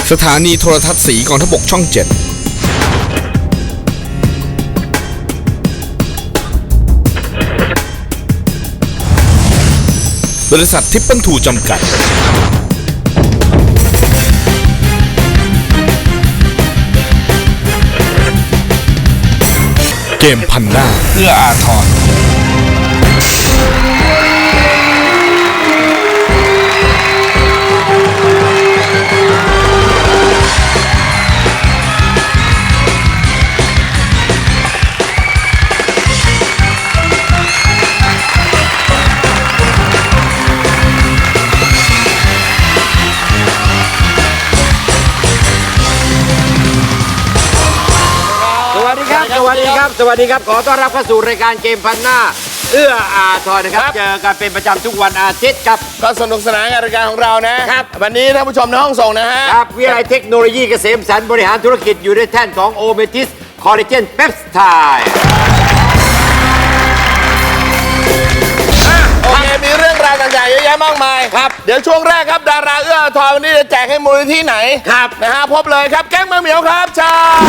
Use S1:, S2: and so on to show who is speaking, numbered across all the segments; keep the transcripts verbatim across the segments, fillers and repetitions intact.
S1: สถานีโทรทัศน์สีกองทัพบกช่องเจ็ดบริษัททิปเปิลทูจำกัดเกมพันหน้าเอื้ออาทร
S2: สวัสดีครับสวัสดีครับขอต้อนรับเข้าสู่รายการเกมพันหน้าเอื้ออาทรนะครับเจอกันเป็นประจำทุกวันอาทิตย์ครับ
S3: ก็สนุกสนานกับรายการของเรานะครับวันนี้ท่านผู้ชมในห้องส่งนะฮะ
S2: ครับวิทยาลัยเทคโนโลยีเกษมสันต์บริหารธุรกิจอยู่ในแท่นของโอเมทิสคอลลาเจนเปปไทด์
S3: โอเคมีเรื่องราวต่างๆเยอะแยะมากมายครับเดี๋ยวช่วงแรกครับดาราเอื้ออาทรวันนี้จะแจกให้มูลนิธิไหน
S2: ครับ
S3: นะฮะพบเลยครับแก๊งมะเหมียวครับชา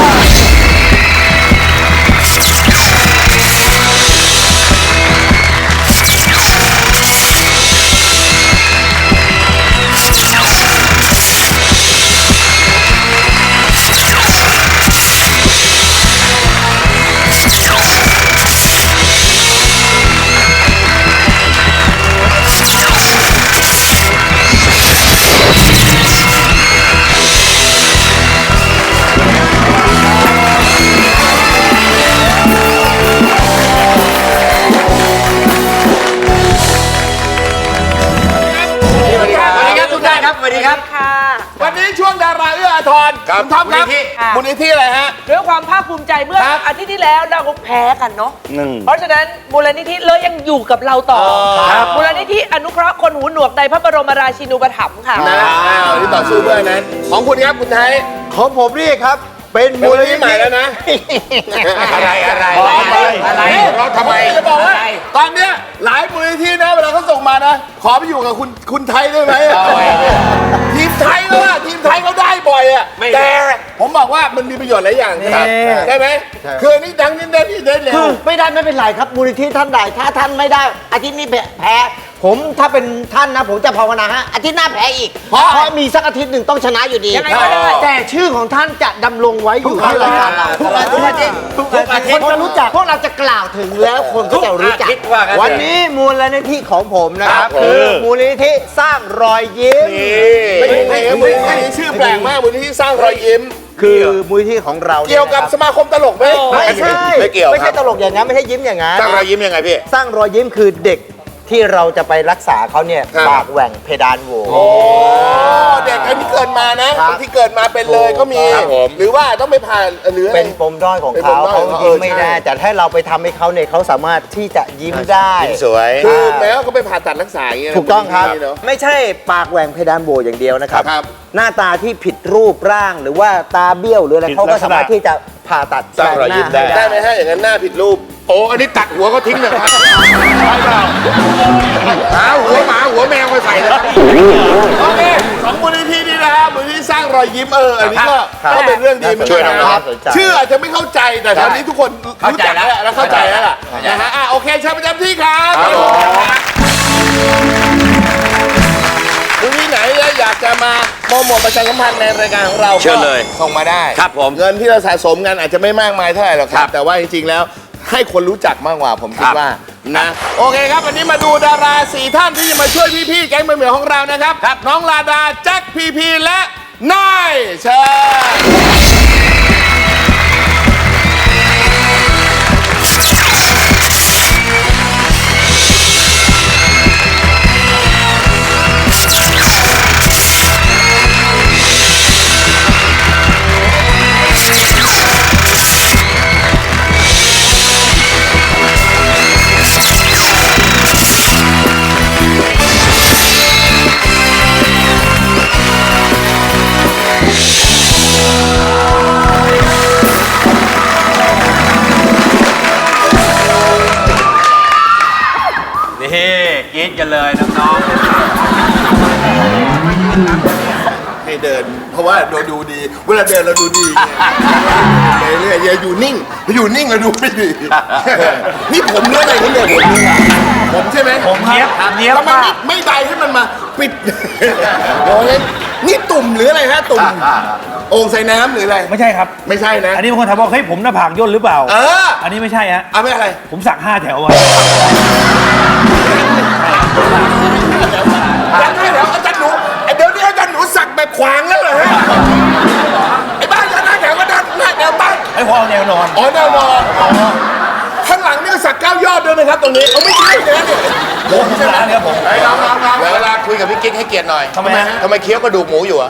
S2: สวัสดีครับ
S4: ค่ะ
S3: วันนี้ช่วงดาราเอื้ออาทรคุณท็อปครับมูลนิธิอะไรฮะ
S4: ด้วยความภาคภูมิใจเมื่ออาทิตย์ที่แล้วเราแพ้กันเนาะเพราะฉะนั้นมูลนิธิเลยยังอยู่กับเราต่อมูลนิธิอนุเคราะห์คนหูหนวกในพระบรมราชินูปถัมภ์ค่ะ
S3: นะที่ต่อสู้เพื่อนั้นของคุณครับคุณไทย
S2: ของผมนี่ครับเป็น
S3: มูลนิธิใหม่แล้วนะ
S2: อะไรอะไรอะไร
S3: เราทำไมจะบอกว่าตอนเนี้ยหลายมูลนิธินะเวลาเขาส่งมานะขอไปอยู่กับคุณคุณไทยได้ไหมทีมไทยก็ว่าทีมไทยเขาได้บ่อยอ่ะแต่ผมบอกว่ามันมีประโยชน์หลายอย่างใช่ไหมคือนี่ดังนี่ได้ที่ได้เร็ว
S2: ไม่ได้ไม่เป็นไรครับมูลนิธิท่านใดถ้าท่านไม่ได้อาทิตย์นี้แพ้ผมถ้าเป็นท่านนะผมจะภาวนาฮะอาทิตย์หน้าแพ้อีกเพราะมีสักอาทิตย์หนึ่งต้องชนะอยู่ดีแต่ชื่อของท่านจะดำรงไว้อยู่ในรายการเราทุกอาทิตย์ทุกอาทิตย์คนจะรู้จักพวกเราจะกล่าวถึงแล้วคนก็จะรู้จักวันนี้มูลนิธิของผมนะครับคือมูลนิธิสร้างรอยยิ้ม
S3: ไม่ใช่มูลนิธิชื่อแปลกมากมูลนิธิสร้างรอยยิ้ม
S2: คือมูลนิธิของเรา
S3: เกี่ยวกับสมาคมตลกไหม
S2: ไม่ใช่
S3: ไม่เกี่ยว
S2: ไม่ใช่ตลกอย่างนั้นไม่ใช่ยิ้มอย่างนั้น
S3: สร้างรอยยิ้มยังไงพี่
S2: สร้างรอยยิ้มคือเด็กที่เราจะไปรักษาเขาเนี่ยปากแหว่งเพดานโหว
S3: โอ้เด็กที่เกิดมานะที่เกิดมาเป็นเลยก็มีหรือว่าต้องไปผ่านหรือ
S2: เป็นปมด้อยของเขาเขายิ้มไม่ได้แต่ถ้าเราไปทำให้เขาเนี่ยเขาสามารถที่จะยิ้มได้
S3: ยิ้มสวยคือแม้ว่าเขาไปผ่าตัดรักษาอย่างเงี้ย
S2: ถูกต้องครับไม่ใช่ปากแหว่งเพดานโหวอย่างเดียวนะครับหน้าตาที่ผิดรูปร่างหรือว่าตาเบี้ยวหรืออะไรเขาก็สามารถที่จะผ่าตัด
S3: สร้างรอยยิ้มได้ได้ไหมฮะอย่างนั้นหน้าผิดรูปโอ้อันนี้ตัดหัวเขาทิ้งเลยครับใช่เปล่าหาหัวหมาหัวแมวมาใส่เลยโอเคสองมูลนิธินี้นะครับมูลนิธิสร้างรอยยิ้มเอออันนี้ก็ก็เป็นเรื่องดีช่วยนะครับชื่ออาจจะไม่เข้าใจแต่ตอนนี้ทุกคนรู้จักแล้วและเข้าใจแล้วล่ะนะฮะอ่ะโอเคเชิญประจำที่ครับมูลนิธิไหนอยากจะมาโปรโมทประชาสัมพันธ์ในรายการของเราเชิญเลยส่งมาได้ครับผมเงินที่เราสะสมกันอาจจะไม่มากมายเท่าไหร่หรอกครับแต่ว่าจริงๆแล้วให้คนรู้จักมากกว่าผมคิดว่านะโอเคครับวันนี้มาดูดาราสี่ท่านที่จะมาช่วยพี่ๆแก๊งมะเหมียวของเรานะครับครับน้องลาดาแจ็คพีพีและนายเชิญกรี๊ดกันเลยน้องๆเดิน เพราะว่าเราดูดี เวลาเดินเราดูดีไงไปเรื่อยอย่าอยู่นิ่งอยู่นิ่งเราดูไม่ดีนี่ผมเนื้ออะไรนี่เนี่ยผมเนื้อผมใช่ไหมผมเนี้ยเนี้ยแล้วมันไม่ไม่ใดให้มันมาปิดโอ้ยนี่ตุ่มหรืออะไรฮะตุ่มโอ่งใส่น้ำหรืออะไร
S5: ไม่ใช่ครับ
S3: ไม่ใช่นะ
S5: อันนี้บางคนถามว่าเฮ้ยผมหน้าผากย่นหรือเปล่า
S3: เออ
S5: อันนี้ไม่ใช่ฮะ
S3: เอาไม่อะไร
S5: ผมสักห้าแถวไว้
S3: ยังไงเดี๋ยวอาจารย์หนูไอเดี๋ยวนี้อาจารย์หนูสักแบบขวางแล้วเหรอฮะไอ้บ้านยันหน้าแถวก็ดันหน้าแถวตั้ง
S5: ไอ้พอเอาแนวนอน
S3: อ๋อแนวนอนข้างหลังนี่ก็สักเก้ายอดด้วยนะครับตรงนี้เอาไม่ใช่เลยเนี่ย
S5: ผมชนะเนี่ยผม
S3: ไอ้น้องน้องน้องเวลาคุยกับพี่กิ๊กให้เกียรติหน่อย
S5: ทำไมฮะ
S3: ทำไมเคี้ยวกระดูกหมูอยู่อะ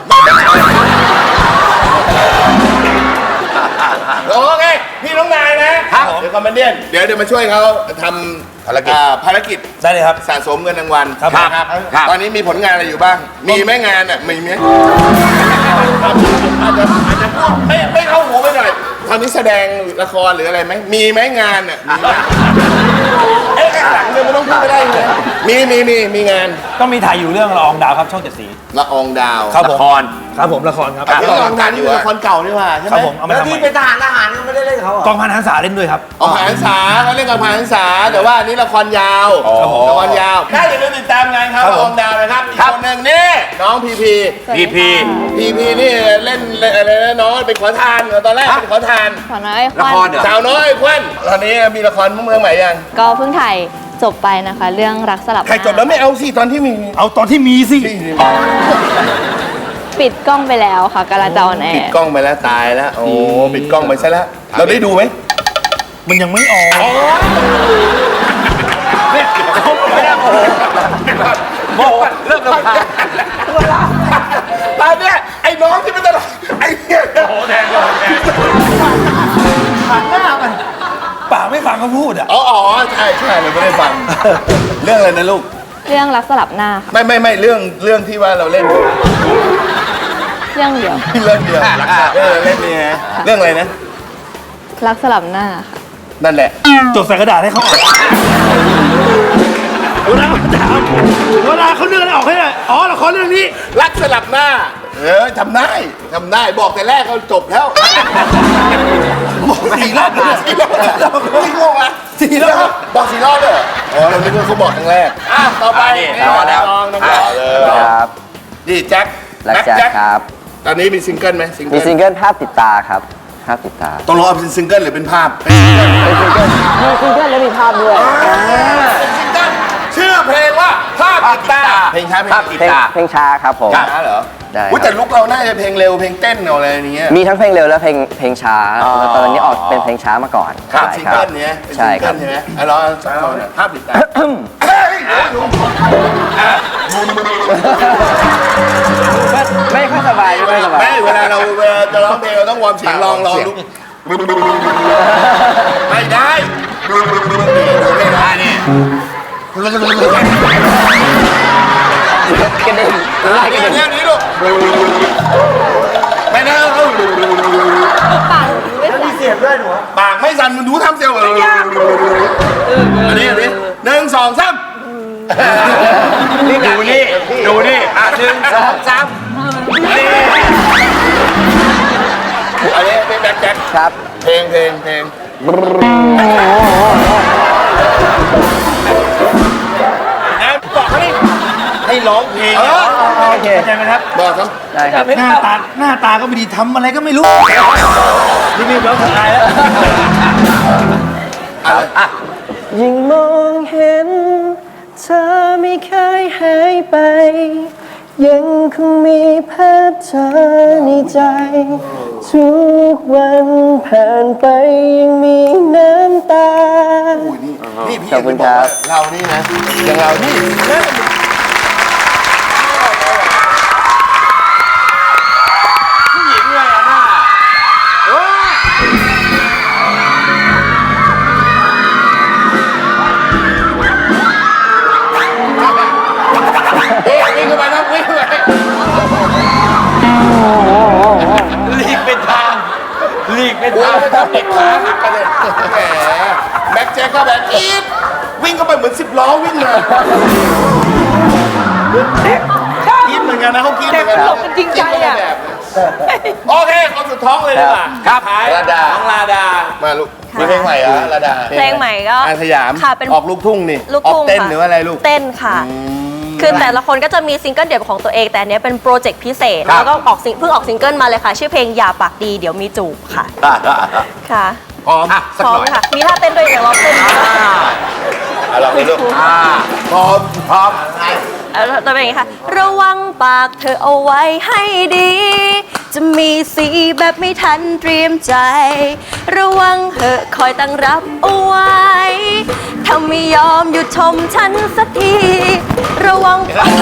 S3: โอเคพี่น้องนายนะครับเดี๋ยวคอมเมนเดียนเดี๋ยวเดี๋ยวมาช่วยเขาทำภารกิจภารกิจ
S5: ได้เลยครับ
S3: สะสมเงินรางวัล
S5: ครับ
S3: ครับ ตอนนี้มีผลงานอะไรอยู่บ้าง มีไหมงานอ่ะมีไหมอาจจะอาจจะพูดไม่ไม่เข้าหูไปหน่อยตอนนี้แสดงละครหรืออะไรไหมมีไหมงานอ่ะมีไหมเอ๊ะข้างหลังเนี่ยมันต้องพูดไม่ได้เลยมีมีมีมีงาน
S5: ก็มีถ่ายอยู่เรื่องละอองดาวครับช่องเจ็ดสี
S3: ละอองดาว
S5: ครับผมครับผมละครครับ
S3: ที่ละอองดาวนี่เป็นละครเก่านี่หว่าใช่ไห
S5: ค
S3: ม
S5: รับผมเอามา
S2: แล้ว
S5: ทำให
S2: ที่
S5: ม่
S2: เป็นทหารทหารไม่ได้เล่นเขาเหร
S5: ก
S2: อ
S5: องพันหันษาเล่นด้วยครับ
S3: ออกผ่านษาเขาเรียกกันผ่านษาแต่ว่าอันนี้ละครยาวละครยาวได้อย่าลืมติดตามงานครับ
S5: ครับ
S3: ละ
S5: ผม
S3: อองดาวนะครับอีกคนหนึ่งนี่น้องพีพี
S6: พีพี
S3: พีพีนี่เล่นอะไรนะน้องเป็นขอทานตอนแรกเป็นขอทาน
S7: ขอน้อยค
S6: ละ
S7: วัน
S6: ครเหรอ
S3: สาวน้อยควันตอนนี้มีละครเมืองใหม่ยัง
S7: ก็เพิ่งถ่ายจบไปนะคะ เรื่องรักสลับ
S3: ถ่ายจบแล้วไม่เอาสิตอนที่มี
S5: เอาตอนที่มีสิ
S7: ปิดกล้องไปแล้วค่ะกำลังจะออนแอ
S3: ปิด
S7: ร์
S3: กล้องไปแล้วตายแล้วโอ้ปิดกล้องไปซะแล้วเราได้ดูไหม
S5: มันยังไม่ออก
S3: ไม่ได้โอ้โหเริ่มรำคาญตอนเนี้ยไอ้น้องที่เป็นตลกไอ้เนี่ยโอ้โหแทนเลยแทน
S5: ปากไม่ฟังเขาพูดอ่ะ
S3: อ๋ออ๋อใช่ใช่เราไม่ได้ฟัง เรื่องอะไรนะลูก
S7: เรื่องรักสลับหน้าค่ะ
S3: ไม่ไม่ไม่เรื่องเรื่องที่ว่าเราเล่น
S7: เรื่องเดียว
S3: เรื่องเดียวเออเล่นนี่นะเรื่องอะไรนะ
S7: รักสลับหน้าค่ะ
S3: นั่นแหละ
S5: จดใส่กระดาษให้เขาอ่านเวลาเขาถามเวลาเขาเลื่อนออกให้เลยอ๋อละครเรื่องนี้
S3: รักสลับหน้า เออทำได้ทำได้บอกแต่แรกเขาจบแล้วบอกสี่รอบเลยสี่รอบสี่รอบอ่ะสี่รอบบอกสี่รอบเลยเหรออ๋อเราคิดว่าเขาบอกครั้งแรกอ่ะต่อไป
S6: ต่อแล้ว
S3: น้องน้องต่อเลย
S8: ครับ
S3: นี่แจ็ค
S8: รักแจ็คครับ
S3: ตอนนี้มีซิงเกิลไหมซิงเกิ
S8: มี
S3: ล
S8: ซิงเกิลภาพติดตาครับ ภาพติดตา
S3: ต้องรอเป็นซิงเกิลหรือเป็นภาพ
S8: มีซิงเกิลแล้วมีภาพด้วย
S3: เป็นซิงเกิลชื่อเพลงว่าภาพติดตาเพลงช้าเพลง
S8: เพลงเพลงช้าครับผม
S3: ช้าเหรอ
S8: ได้ครับ
S3: อุ๊ยแต่ลุกเราน่าจะเพลงเร็วเพลงเต้นอะไรอย่างเงี้ย
S8: มีทั้งเพลงเร็วและเพลงเพลงช้า
S3: อ๋อ
S8: แล้วตอนนี้ออกเป็นเพลงช้ามาก่อน
S3: ครับ
S8: ใช่
S3: ซิง
S8: ครั
S3: เกิ
S8: บ
S3: ลเนี้ยเป็น
S8: ใช่
S3: ซิง
S8: ค
S3: เกิ
S8: รับ
S3: ลใช่ไหมอ่ะเราสองคนอ่ะภาพติดตาเฮ้ย
S8: ไม่ค่อยสบายไม่ค่อยสบาย
S3: ไม่เวลาเราเวลาจะร้องเพลงเราต้องวอร์มเสียงลองลองลุกไม่ได้ไม่ได้นี่
S8: กระเด็นไล่กระเด็น
S3: เรื่องนี้ลูกไม่ได้
S2: มีเสียงด้วยหนู
S3: ปากไม่สั่นมันดูทำเสียงเลยอันนี้อันนี้หนึ่งสองสาม
S6: ดูนี่ ดูนี่ อ่ะหนึ่งสองสาม
S3: อันนี้เป็นแบ็คแจ็ค
S8: ครับ
S3: เพลงเพลงเพลงบอกเขาดิให้ร้องเพลง
S5: โอเคเข้าใจไหมครับ
S3: บอกครับ
S8: ได้ครับ
S5: หน้าตาหน้าตาก็ไม่ดีทำอะไรก็ไม่รู้รีบๆร้องทายแล้ว
S8: ยิ่งมองเห็น เธอไม่เคยหายไป ยังคงมีภาพเธอในใจ ทุกวันผ่านไปยังมีน้ำตา
S3: นี่พี่
S8: ขอบคุณครับ
S3: เรานี่นะอย่างเรานี่ผู้หญิงเลยอ่ะหน้าเอ๊ะวิ่งเข้าไปนะวิ่งเข้าไป
S6: หลีกเป็นทางหลีกเป็น
S3: โอ้
S6: ทาง
S3: ยทำเด็กขาหักกันเลยแหมแบ็คแจ็คก็แบบอีดวิ่งเข้าไปเหมือนสิบล้อวิ่งเลยอีดเหมือนกันกันนะเขาคิดเห
S4: แต่
S3: มือนกัน
S4: ตลกกันจริงใจอ่ะ
S3: โอเคคนสุดท้องเลยดีกว่าครับลาดาน้องลาดามาลูกมีเพลงใหม่เหรอลาดา
S9: เพลงใหม่ก็
S3: อาสยาม
S9: ค่ะเป็น
S3: ออกลูกทุ่งนี่
S9: ลูก
S3: ออก
S9: ทุ่ง
S3: เต้น
S9: ค่ะ
S3: หรือว่าอะไรลูก
S9: เต้นค่ะ คือแต่ละคนก็จะมีซิงเกิลเดี่ยวของตัวเอง แต่อันเนี้ยเป็นโปรเจกต์พิเศษ
S3: ครับ
S9: แล้วก็ออกซิงเพิ่งออกซิงเกิลมาเลยค่ะ ชื่อเพลงอย่าปากดีเดี๋ยวมีจูบค่ะ ค่ะ
S3: พร้อมสัก
S9: พร้อ
S3: ห
S9: ม
S3: น่อย
S9: ค่ะ มีท่าเต้นด้วยเดี๋ยวเราเต้น
S3: เอาลองดูลูกพร้อมพร้อม
S9: เออจะเป็นอย่างนี้ค่ะ ระวังปากเธอเอาไว้ให้ดี จะมีสีแบบไม่ทันเตรียมใจ ระวังเหอะคอยตั้งรับเอาไว้ถ้าไม่ยอมหยุดชมฉันสักที ระวังปาก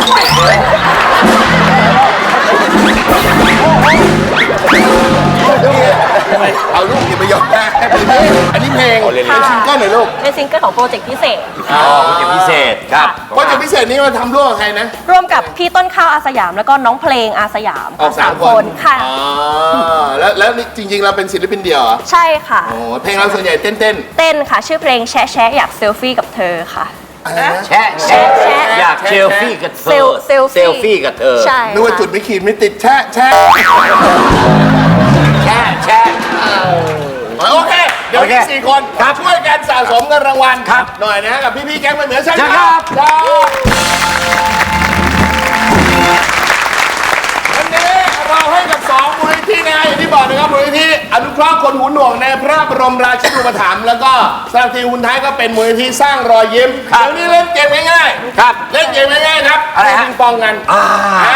S3: เอาลูกอย่าไปยอมแพ้อันนี้เพลงเป็นซิงเกิลหน่อยลูก
S9: เป็นซิงเกิลของโปรเจกต์พิเศษ
S3: อ๋อโปรเจกต์พิเศษครับโปรเจกต์พิเศษนี้มาทำร่วมกับใครนะ
S9: ร่วมกับพี่ต้นข้าวอาสยาม แล้วก็น้องเพลงอาสยาม
S3: ออกสามคน
S9: ค่ะ
S3: อ๋อแล้วแล้วนี่จริง ๆ เราเป็นศิลปินเดี่ยวเหรอ
S9: ใช่ค่ะ
S3: โอ้เพลงเราส่วนใหญ่เต้นเต้น
S9: เต้นค่ะ ชื่อเพลงแชะแชะอยากเซลฟี่กับเธอค่ะ
S3: อะไรนะ
S6: แชะ
S9: แชะแชะ
S6: อยากเซลฟี่กับเธ
S9: เซ
S6: อ
S9: ลเซลฟี่
S6: เซลฟี่กับเธอ
S9: ใช่
S3: นึกว่า
S9: ค่ะ
S3: จุดไม่ขีดไม่ติดแชะแชะ
S6: แชะแชะ
S3: โอเค เดี๋ยวอีกสี่คนช่วยกันสะสมเงินรางวัลครับหน่อยนะฮะกับพี่ๆแก๊งไม่เหมือนใช่ไหมครับวันนี้เราให้กับสองมูลนิธินะฮะอย่างที่บอกนะครับมูลนิธิอนุเคราะห์คนหูหนวกในพระบรมราชินูปถัมภ์แล้วก็สำหรับทีมคุณท้ายก็เป็นมูลนิธิสร้างรอยยิ้มเดี๋ยวนี้เล่นเกมง่ายๆ
S6: ครับ
S3: เล่นเกมง่ายๆครับ
S6: อะไรฮะ
S3: ปิงปองกันอ่า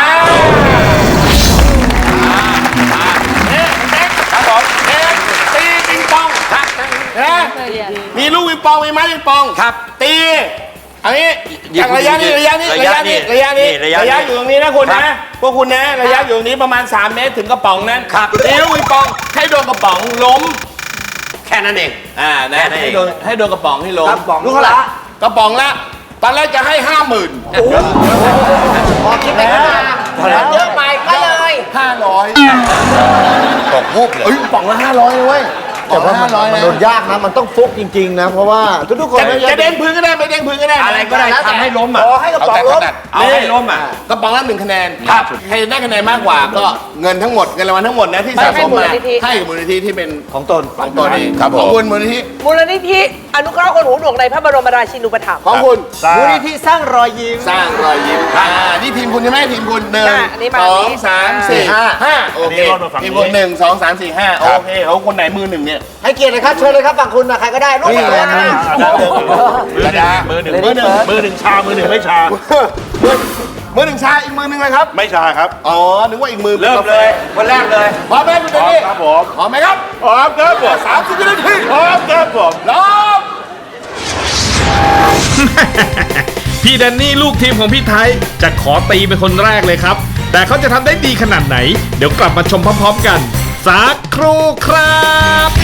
S3: ครับผมเอ๊ะตีปิงปองครับนะมีลูกปิงปองมีไม้ปิงปองครับตีอันนี้จากระยะนี้ระยะนี้ระยะนี้ระยะนี้ระยะอยู่ตรงนี้นะคุณนะพวกคุณนะระยะอยู่ตรงนี้ประมาณสามเมตรถึงกระป๋องนั้นตีลูกปิงปองให้โดนกระป๋องล้ม
S6: แค่นั้นเอง
S3: อ่านะ
S6: แค่นั้นเอง
S3: ให้โดนให้โดนกระป๋องให้ล้ม
S2: ลูกเขาละ
S3: กระป๋องละตอนแรกจะให้ห้าหมื่น
S2: พอคิดไปข้างหน้าเยอะไปก็เลย
S3: ห้าร้อยตกวูบเลยเอ้ยกระป๋องละห้าร้อยเลยเว้ย
S2: แต่ว่า
S3: ห้าร้อย
S2: มัน
S3: นะ
S2: โดนยากนะ มันต้องฟุกจริง ๆ นะ เพราะว่าทุกๆคน
S3: จะจะเด้งพื้นก็ได้ไม่เด้งพื้นก็ได้
S6: อะไรก็ได้ทำให้ล้มอ่ะ
S2: ขอให้กระป๋องล้ม
S6: เอาให้ล้มอ่ะ
S3: กระป๋องละหนึ่งคะแนนครับใครได้คะแนนมากกว่าก็เงินทั้งหมดเงินรางวัลทั้งหมดนะที่สะสมมาให้มูลนิธิที่เป็น
S2: ของตน
S3: ของตัวนี้ครับของคุณมูลนิธิ
S4: มูลนิธิอนุเคราะห์คนหูหนวกในพระบรมราชินูปถัมภ์
S3: ของคุณ
S2: มูลนิธิสร้างรอยยิ้ม
S3: สร้างรอยยิ้มอ่านี่ทีมคุณใช่ไหมทีมคุณหนึ่ง
S4: ค่ะอันนี้มา
S3: ส
S4: อัน
S3: อง
S4: นี้
S3: สามสี่ห้าห้าโอเคทีมคุณหนึ่งสองสามสี่ห้าโอเคเอาคนไหนมือหนึ่งเนี่ย
S2: ให้เกียรติเลยครับเชิญเลยครับฝั่งคุณนะใครก็ได้ลูกมือนะ
S3: ระดามือหนึ่งมือหนึ่งมือหนึ่งชามือหนึ่งไม่ชามือมือหนึ่งชาอีกมือหนึ่งเลยครับ
S5: ไม่ชาครับ
S3: อ๋อนึกว่าอีกมือ
S5: เริ่มเลยคนแรกเลย
S3: พร้อมไหมคุณเจนี่
S5: ครับผม
S3: พร้อมไหมครับ
S5: พร้อมครับผม
S3: สามสิบวินาที
S5: พร้อมครับผม
S3: พร้อม
S1: พี่แดนนี่ลูกทีมของพี่ไทยจะขอตีเป็นคนแรกเลยครับ แต่เขาจะทำได้ดีขนาดไหน เดี๋ยวกลับมาชมพร้อมๆกัน สักครู่ครับ